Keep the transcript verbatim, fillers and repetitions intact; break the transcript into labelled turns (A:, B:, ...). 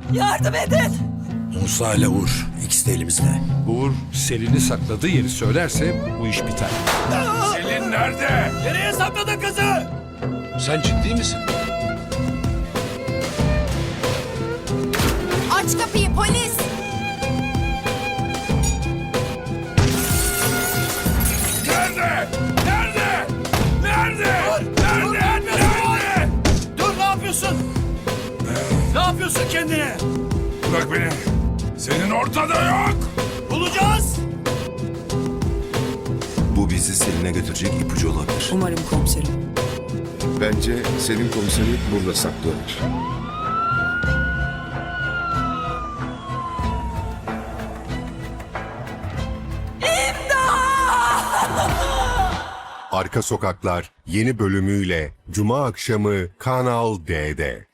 A: Yardım edin.
B: Musa ile Uğur. İkisi de elimizde.
C: Uğur Selin'i sakladığı yeri söylerse bu iş biter.
D: Selin nerede?
B: Nereye sakladın kızı?
D: Sen ciddi misin?
E: Aç kapıyı polis.
D: Nerede? Nerede? Nerede? Nerede? Nerede?
B: Dur, ne yapıyorsun? Ne yapıyorsun kendine?
D: Bırak beni. Senin ortada yok.
B: Bulacağız.
F: Bu bizi Selin'e götürecek ipucu olabilir.
A: Umarım komiserim.
G: Bence Selim komiseri burada saklıyorlar.
H: Arka Sokaklar yeni bölümüyle Cuma akşamı Kanal D'de.